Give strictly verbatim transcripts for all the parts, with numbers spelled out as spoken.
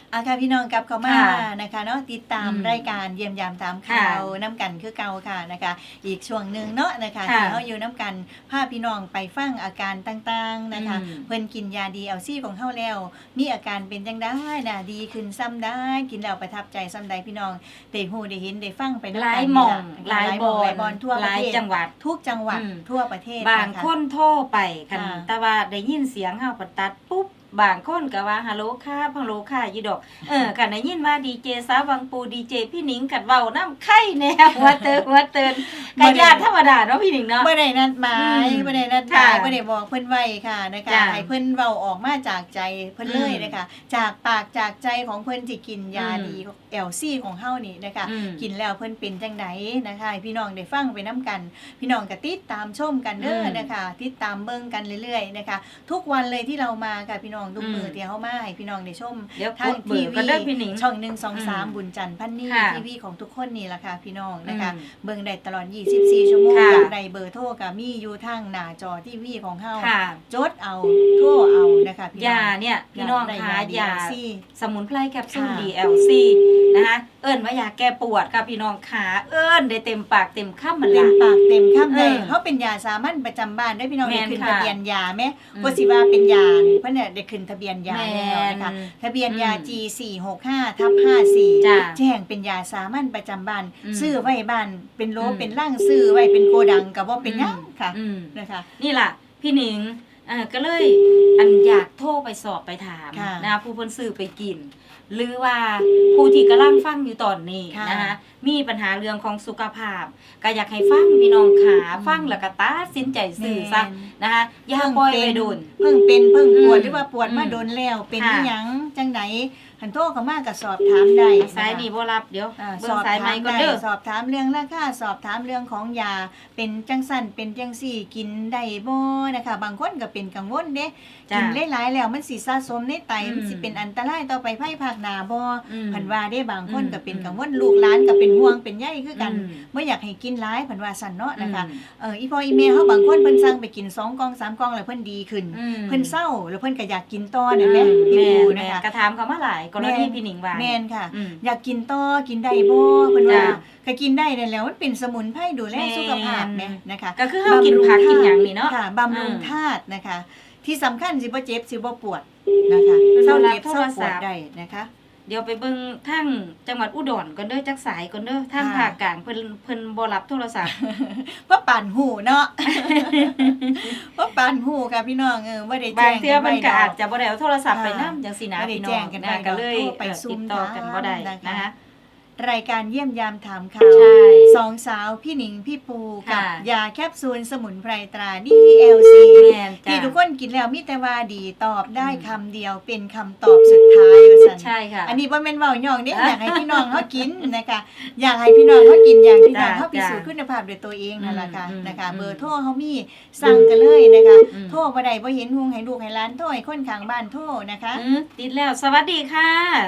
อาค่ะพี่น้องกลับเข้ามาค่ะนะคะเนาะติดตามอืมรายการเยี่ยมยามตามข่าค่ะวน้ำกันคือเก่าค่ะนะคะ อีกช่วงหนึ่งเนาะนะคะค่ะที่เขาอยู่น้ำกันพาพี่น้องไปฟังอาการต่างๆนะคะอืมเพิ่นกินยาดีเอลซี่ของเฮาแล้ว มีอาการเป็นจังได้นะดีขึ้นซ้ำได้กินแล้วประทับใจซ้ำใดพี่น้องได้ฮู้ได้เห็นได้ฟังไปหนำลากัยนหม่องนี่หลายล่ะบอหลาลยบอนทั่วหประลายเทศจังหวัดทุกจังหวัดอืมทั่วประเทศบางะะคนโทรไปคันค่ะแต่ว่าได้ยินเสียงเฮาก็ตัดปุ๊บบางคนก็ว่าฮัลโหลค่ะฮัลโหลค่ะอยู่ดอก เออกันได้ยินว่าดีเจสาวบางปูดีเจพี่หนิงกัดเว้าน้ำไข่แนวหัวเตินหัวเตินกะญาติธรรมดาเนาะพี่หนิงเนาะบ่ได้นัดหมายอืมบ่ได้นัดหมายค่ะบ่ได้บอกเพิ่นไว้ค่ะนะคะจ้ะให้เพิ่นเว้าออกมาจากใจเพิ่นเลยอืมนะคะ จากปากจากใจของเพิ่นที่กินยาอืมดีแอลซี่ของเฮานี่นะคะอืมกินแล้วเพิ่นเป็นจังไดนะคะให้พี่น้องได้ฟังไปนํกัน พี่น้องก็ติดตามชมกันเด้อมนะคะ ติดตามเบิ่งกันเรื่อยๆนะคะ ทุกวันเลยที่เรามาค่ะพี่น้องทุกอืมมื้อที่เฮามาให้พี่น้องได้ชมเดี๋ยวทางกดเบอทีร์วีกันเด้อพี่หนิงช่องหนึ่ง สอง สามอืมบุญจันทร์พันนี่ค่ะทีวีของทุกคนนี่ล่ะค่ะพี่น้องนะคะอืมเบิ่งได้ตลอดยี่สิบสี่ชั่วโมงค่ะอยากได้เบอร์โทรก็มีอยู่ทางหน้าจอทีวีของเฮาค่ะจดเอาโทรเอานะคะพี่น้องยาเนี่ยพี่น้องได้คะยายาดี แอล ซีสมุนไพรแคปซูลค่ะดี แอล ซี นะคะเอิ้นว่ายาแก้ปวดค่ะพี่น้องขาเอิ้นได้เต็มปากเต็มคำมันเต็ละมปากเต็มคำเลยเออเขาเป็นยาสามัญประจำบ้านได้พี่น้องแม่ได้นขึ้นค่ะทะเบียนยาไหมอืมก็สิว่าเป็นยานี่เพิ่นน่ะได้ขึ้นทะเบียนยาแม่นแล้วนะคะทะเบียนยาอืมจี สี่หกห้า ทับ ห้าสี่จ้ะแจ้งเป็นยาสามัญประจำบ้านอืมซื้อไว้บ้านเป็นโลอืมเป็นล่างซื้อไว้เป็นโกดังก็บ่เป็นหยังค่ะอืมนะคะนี่ล่ะ พี่หนิงเอ่อก็เลยอันอยากโทรไปสอบไปถามค่ะนะคะผู้เพิ่นซื้อไปกิน หรือว่าผู้ที่กำลังฟังอยู่ตอนนี้ค่ะนะคะมีปัญหาเรื่องของสุขภาพ ก็อยากให้ฟังพี่น้องขาอืมฟังแล้วก็ตัดสินใจซื้อซะแม่นนะคะอย่าปล่อยไปโดนเพิ่งเป็นเพิ่งปวดอืมหรือว่าปวดมาอืมโดนแล้วเป็นค่ะอีหยังจังไดหันโทรเข้ามาก็สอบถามได้สายนะคะนี่บ่รับเดี๋ยวอ่าเบิ่สงอบสายถาใหม่มก่อนได้เด้อสอบถามเรื่องราคาสอบถามเรื่องของยาเป็นจังสั่นเป็นจังสี่กินได้บ่นะคะ บางคนก็เป็นกังวลเด้จ้ะกินหลายๆแล้วมันสิสะสมในไตอืมมันสิเป็นอันตรายต่อไปภายภาคหน้าบ่อืมเพิ่นว่าเด้บางคนอืมก็เป็นกังวลลูกหลานก็เป็นห่วงเป็นใยคือกันอืมบ่อยากให้กินหลายเพิ่นว่าซั่นเนาะนะคะอืมเอออีพ่ออีแม่เฮาบางคนเพิ่นสั่งไปกินสองกล่องสามกล่องแล้วเพิ่นดีขึ้นอืมเพิ่นเศร้าแล้วเพิ่นก็อยากกินต่อนั่นแหละพี่แม่ปูแม่นะคะกระถามเขามาหลายกรณีพี่หนิงว่าแม่นค่ะอืมอยากกินต่อกินได้บ่เพิ่นว่าจ้ะก็กินได้นั่นแหล้วมันเป็นสมุนไพรดูแลแม่นสุขภาพแหมนะคะก็คือเฮากินผักกินหยังนี่เนาะค่ะบำรุงอืมธาตุนะคะ ที่สำคัญสิบ่เจ็บสิบ่ปวดนะคะเพิ่นเศร้าบ่รับเจ็บเศร้าปโทรศัวดพท์ได้นะคะเดี๋ยวไปเบิ่งทางจังหวัดอุดรก่อนเด้อจักสายก่อนเด้อทางค่ะภาคกลางเพิ่นเพิ่นบ่รับโทรศัพท์เพราะปานหูเนาะ เพราะปานหูค่ะพี่น้องเออบ่ได้บาแจ้งงเทื่อเพิ่นก็ไว้ดอาจจะบ่ได้เอาโทรศัพท์ไปค่ะนำจังซี่นะบ่ได้พี่น้แจ้องงกันนะไว้ก็เลยโทรไปเอ่อซุ่ติมดต่อกันบ่ได้ถามนะคะนะคะรายการเยี่ยมยามถามข่าวใช่สองสาวพี่หนิงพี่ปูกับค่ะยาแคปซูลสมุนไพรตรา ดี แอล ซีแม่นจ้ะที่ทุกคนกินแล้วมีแต่ว่าดีตอบได้คำเดียวเป็นคำตอบสุดท้ายว่าซั่นใช่ค่ะอันนี้บ่แม่นเว้าย่องเด้อยากให้พี่น้องเฮากินนะคะ อยากให้พี่น้องเฮากินอย่างพี่น้องจ้ะเฮาพิสูจน์จ้ะคุณภาพด้วยตัวเองนั่นล่ะค่ะอืมนะคะอืมเบอร์โทรเฮามีสั่งกันเลยนะคะอืมโทรบ่ได้บ่เห็นหุงให้ลูกให้หลานโทรให้คนข้างบ้านโทรนะคะอืมติดแล้ว สวัสดีค่ะ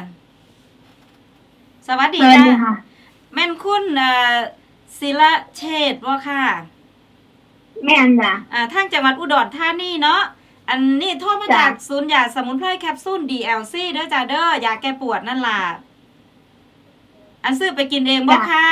สวัสดีสวัสจ้าดีค่ะแม่นคุณเอ่อศิละเชษฐ์บ่ค่ะแม่นจ้ะอ่าทางจังหวัดอุดรธานีเนาะ อันนี้โทรมาจ้ะจากศูนย์ยาสมุนไพรแคปซูล ดี แอล ซี เด้อจ้าเด้อยาแก้ปวดนั่นล่ะ อันซื้อไปกินเองบ่ค่ะ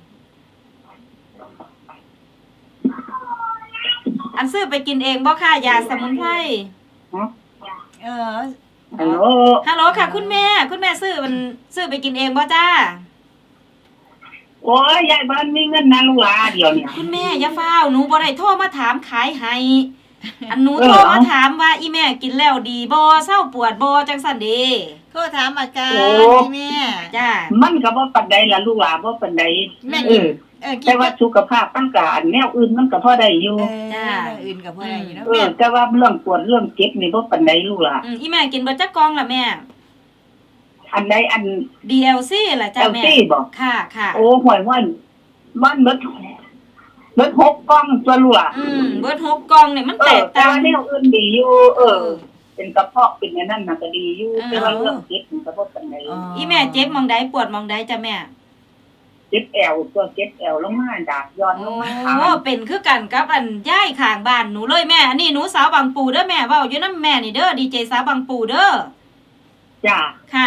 อันซื้อไปกินเองบ่ค่ะยาสมุนไพรเออฮัลโหลฮัลโหลค่ะ คุณแม่ คุณแม่ซื้อมันซื้อไปกินเองบ่จ้าโอ้ยยายบ้านมีเงินนะลูกหลาเดี๋ยวเนี่ยคุณแม่อย่าฟ้าวหนูบ่ได้โทรมาถามขายให้ อันหนูเออโทรมาเอาถามว่าอีแม่กินแล้วดีบ่เศร้าปวดบ่จังซั่นเด้โทรถามอาการโอ้พี่แม่จ้ามันก็บ่ปานใดล่ะลูกหลาบ่ปานใดแม่เอกินอเออกิแต่นว่าสุขภาพมันก็อันแนวอื่นมันก็พอได้อยู่เออจ้าอื่นกับพ่อได้อยู่เนาะเอแม่อ แต่ว่าเรื่องปวดเรื่องเจ็บนี่บ่ปานใดลูกหลาอืมอีแม่กินเบิดจักกล่องล่ะแม่อันใดอันดี แอล ซี ล่ะจ้าเอลแม่ซี่บ่ค่ะค่ะโอ้ห่วยว่ามันเบิดเบิดหกกล่องตัวลูกหลาอืมเบิดหกกล่องเนี่ยมันเอแตอก แต่ต่างว่าแนวอื่นดีอยู่ เออ เป็นกระเพาะเป็นอันนั้นน่ะก็ดีอยู่เออแต่ว่าเรื่องเจ็บนี่ก็บ่ปานใดอีแม่เจ็บหมองใดปวดหมองใดจ้าแม่เจ็บแอวตัวเจ็บแอวลงมาดากย้อนลโอ้งมาขาเป็นคือกันกับอันย่ายข้างบ้านหนูเลยแม่ อันนี้หนูสาวบางปูเด้อแม่เว้าอยู่นำแม่นี่เด้อดีเจสาวบางปูเด้อจ้าค่ะ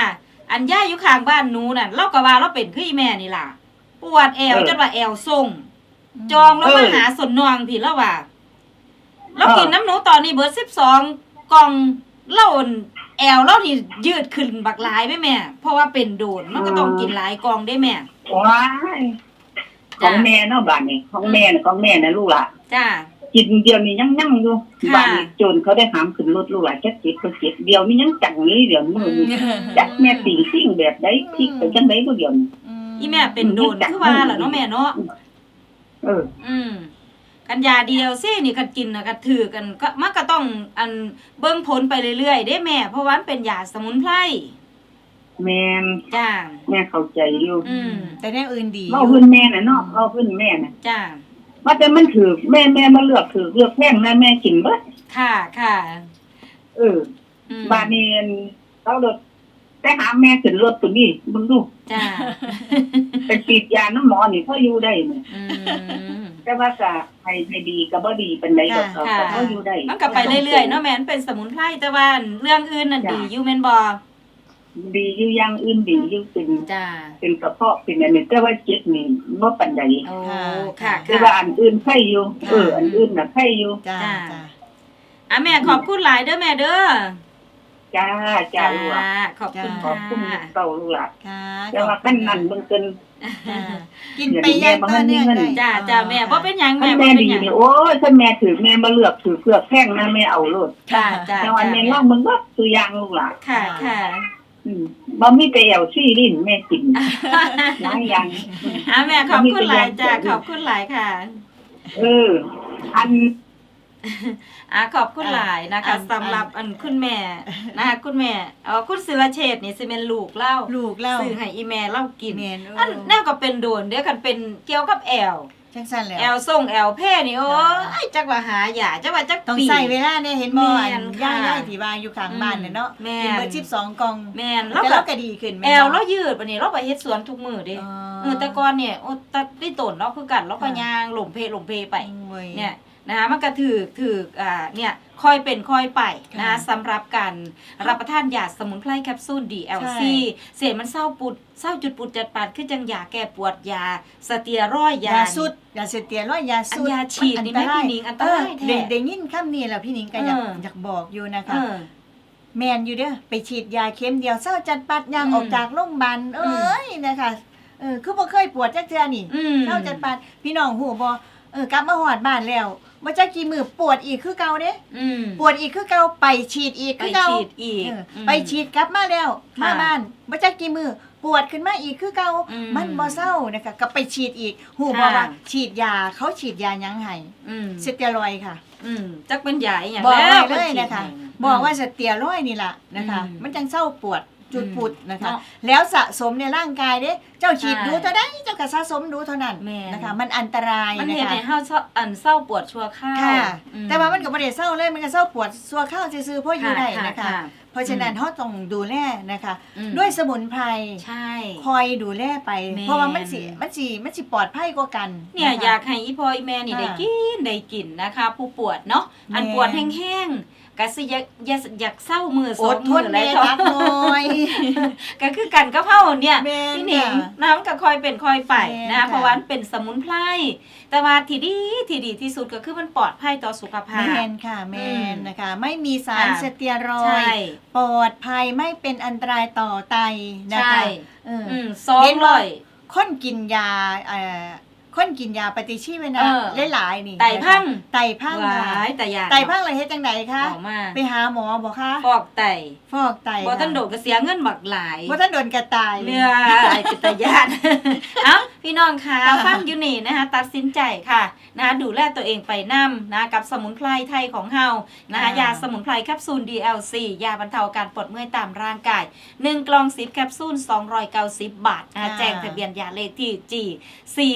อันย่าอยู่ข้างบ้านหนูน่ะเราก็ว่าเราเป็นคืออีแม่นี่ล่ะปวดแอวจนว่าแอวส่งจองแล้วมาหาสนนองพี่แล้วว่าเรากินน้ำหนูตอนนี้เบิดสิบสองกล่องเล่าแอลเล่าที่ยืดขึ้นบักหลายไหมแม่เพราะว่าเป็นโดนมันก็ต้องกินหลายกล่องได้แม่ว้ายของแม่เนาะบ้านนี้ของแม่น่ะของแม่น่ะลูกล่ะจ้ากินเดียวนี่ยังยั่งอยู่ค่ะบ้านนี้โจรเขาได้หามขึ้นรถลูกหล่ะแค่จิตก็จิตเดียวนี่ยังจังนี้เดี๋ยวมือนี่จักแม่ติ่งซิ่งแบบใดพลิกไปจังไดก็เดี๋ยวนี้อีแม่เป็นโดนคือว่าล่ะเนาะแม่เนาะเอออืมกันยาเดียวสินี่กันกินนะกันถือกันก็มันก็ต้องอันเบิ่งผลไปเรื่อยๆได้แม่เพราะว่ามันเป็นยาสมุนไพรแม่นจ้าแม่เข้าใจอยู่อืมแต่แนวอื่นดีเว้าพื้นแม่น่ะเนาะเว้าพื้นแม่น่ะจ้าว่าแต่มันถือแม่แม่มาเลือกถือเลือกแพงนะแม่กินเบิดค่ะค่ะเอออืมบ้านนี้เรารถแต่หาแม่ขึ้นรถตัวนี้มึงดูจ้าไปฉีดยาน้ำหมอนี่พออยู่ได้นี่อืมแต่ว่าก็ให้ให้ดีก็บ่ดีปานใดดอกค่ะก็พออยู่ได้มันก็ไปเรื่อยๆเนาะแม่นเป็นสมุนไพรแต่ว่าเรื่องอื่นน่ะดีอยู่แม่นบ่ดีอยู่อย่างอื่นดีอยู่เป็นจ้าเป็นกระเพาะเป็นอันนี้แต่ว่าเจ็บนี่บ่ปานใดโอ้ค่ะแต่ว่าค่ะอันอื่นไข้อยู่เอออันอื่นน่ะไข้อยู่จ้าจ้าจ้าอ่ะแม่ขอบคุณหลายเด้อแม่เด้อจ้าจ้าลูกหลานขอบคุณขอค่ะบคุณเต่าลูกหลานค่ะแต่ว่าขั้นนั้นเบิ่งเกินจ้ากินไปอยังต่อเนื่องได้จ้าจ้าแม่บ่เป็นหยังคัแม่นบ่แม่เป็นดีหยังนี่โอ้ยคันแม่ถือแม่มาเลือกถือเพือกแพงนะแม่เอาโลดจ้าจ้าแต่ว่าแม่ลองมึงว่าตัวอย่างลูกหลานค่ะค่ะอืมบ่มีแต่แอวซี่ลิ้นแม่กินหลายอย่างอ่ะแม่ขอบคุณหลายจ้าขอบคุณหลายค่ะเออ อันอ่ะขอบคุณหลายนะคะสำหรับอันคุณแม่นะคะคุณแม่เออคุณศิรเชษฐ์นี่สิเป็นลูกเล่าลูกเล่าซื้อให้อีแม่เล่ากินแม่นอันแน่ก็เป็นโดนเดี๋ยวกันเป็นเกี่ยวกับแอลจังซั่นแหล้วแอลส่งแอลแพ่นี่โอ้ยจักว่าหาหยาจักว่าจักต้องปีใส่เวลาเนี่ยเห็นบ่แม่อันนค่ะย่ายๆที่ว่าอยู่ข้างบ้านเนี่ยเนาะแม่นกินเบิดสิบสองกล่องแม่นแล้แล้ว วก็ก็ก็ดีขึ้นแอม่นลบ่เรายืดปานนี้เราไปเฮ็ดสวนทุกมื้อเด้อ๋อเออแต่ก่อนเนี่ยโอ้ตะได้ต้นเราคือกันเราก็ย่างหลมเพหลมเพไปโอ้ยเนี่ยนะคะมันก็ถือถืออ่าเนี่ยค่อยเป็นค่อยไปนะค่ะสำหรับการรับประทานยาสมุนไพรแคปซูล ดี แอล ซีใช่เสียมันเศร้าปุดเศร้าจุดปุดจัดปาดคือจังยาแก้ปวดยาสเตียรอยด์ยายาสุดยาเสเตียรอยด์ยาสุดอันยาฉีดนี่ไหมอัตรายพี่หนิงอันตรายเออแท้ได้ได้ยินคำนี้แล้วพี่หนิงก็อยากเอออยากบอกอยู่นะเอคะอแมนอยู่เด้อไปฉีดยาเข็มเดียวเศร้าจัดปัดยางอืมออกจากโรงพยาบาลเอ้ยนะคะเออคือบ่เคยปวดจักเทื่อนี่อืมเศร้าจัดปัดพี่น้องฮู้บ่เออกลับมาฮอดบ้านแล้วบ่จักกี่มื้อปวดอีกคือเก่าเด้อืมปวดอีกคือเก่าไปฉีดอีกไปคือเก่าฉีดอีกเอออืมไปฉีดกลับมาแล้วค่ะมาบ้านบ่จักกี่มื้อปวดขึ้นมาอีกคือเก่าอืมมันบ่เศร้านะคะก็ไปฉีดอีกฮู้บ่ค่ะว่าฉีดยาเขาฉีดยาหยังให้อืมสเตียรอยด์ค่ะอืมจักเป็นยาอีหยังบอกแล้วไว้เลยนะคะพิ่ฉีดให้บอกว่าสเตียรอยด์นี่ล่ะนะคะอืมมันจังเศร้าปวดจุดอืมปุดนะคะเนาะแล้วสะสมในร่างกายเด้ เจ้าฉีดใช่ดูเท่าใดเจ้าก็สะสมดูเท่านั้นแม่นะคะ มันอันตรายมันนะเฮ็ดคะให้เฮาเศร้าอันเศร้าปวดชั่วคราวค่ะอืแต่ว่ามันก็บ่ได้เศร้าเลยมันก็เศร้าปวดซัวข้าวซื่อๆเพราะอยู่ได้นะคะ เพราะฉะนั้นเฮาต้องดูแลนะคะอืมด้วยสมุนไพรใช่คอยดูแลไปแม่นเพราะว่ามันสิมันสิมันสิปลอดภัยกว่ากันเนี่ยะคะอยากให้อีพ่ออีแม่นี่ค่ะได้กินได้กินนะคะ ผู้ปวดเนาะอันแม่ปวดแห้งๆก็สิอยากอยากอยากเศร้ามือสออดงทมือน อะไรแม่เท่าจักหน่อยก็คือกันกับเฮาเนี่ยแม่นพี่หนิงค่ะน้ำก็คอยเป็นคอยไปแม่นนะค่ะเพราะว่ามันเป็นสมุนไพรแต่ว่าที่ดีที่ดีที่สุดก็คือมันปลอดภัยต่อสุขภาแมพนค่ะแมอืนมนะคะ ไม่มีสารค่ะสเตียรอใช่ยด์ปลอดภัยไม่เป็นอันตรายต่อไตนะใช่คะเออออืมสองเห็นร้ว่าอยคนกินยาเอ่อคนกินยาปฏิชีวนะเออหลายๆนี่ไตพังนะคะไตพังหค่ะวายแต่ยาไตพังอะไรเฮ็ดจังไดคะออกมาไปหาหมอบ่คะฟอกไตฟอกไตบ่ทันโดดก็เสียเงินบักหลายบ่ทันโดนกระตายเรือไอ้ปิตยาน เอ้าพี่น้องคะฟังอยู่นี่นะคะตัดสินใจค่ะนะคะดูแลตัวเองไปนํนะกับสมุนไพรไทยของเฮานะคะยาสมุนไพรแคปซูล ดี แอล ซี ยาบรรเทาอาการปวดเมื่อยตามร่างกายหนึ่งกล่องสิบแคปซูลสองร้อยเก้าสิบบาทนะคะแจ้งทะเบียนยาเลขที่ จี สี่หกห้า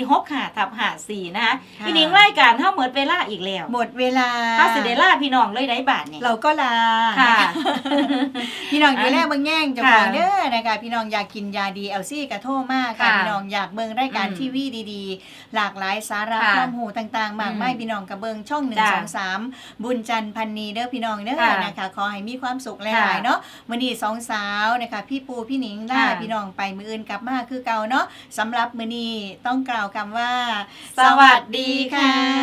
ทับห้าสี่นะคะค่ะพี่หนิงรายการเฮาหมดเวลาอีกแล้วหมดเวลาเฮาสิได้ลาพี่น้องเลยได้บาทเนี่ยเราก็ลาค่ะพี่น้องดูแลเบิ่งแย่งเจ้าของค่ะเด้อนะคะพี่น้องอยากกินยาดีเอลซี่กระโทมากค่ะค่ะพี่น้องอยากเบิ่งรายการอืมทีวีดีๆ หลากหลายสาระค่ะความรู้ต่างๆ มากมายอืมพี่น้องกระเบิงช่องหนึ่งจ้ะสองสามบุญจันทร์พันนีเด้อพี่น้องเด้อค่ะนะคะขอให้มีความสุขหค่ะลายๆเนาะมื้อนี้สองสาวนะคะพี่ปูพี่หนิงลาค่ะพี่น้องไปมื้ออื่นกลับมาคือเก่าเนาะสำหรับมื้อนี้ต้องกล่าวคำว่าสวัสดีค่ะ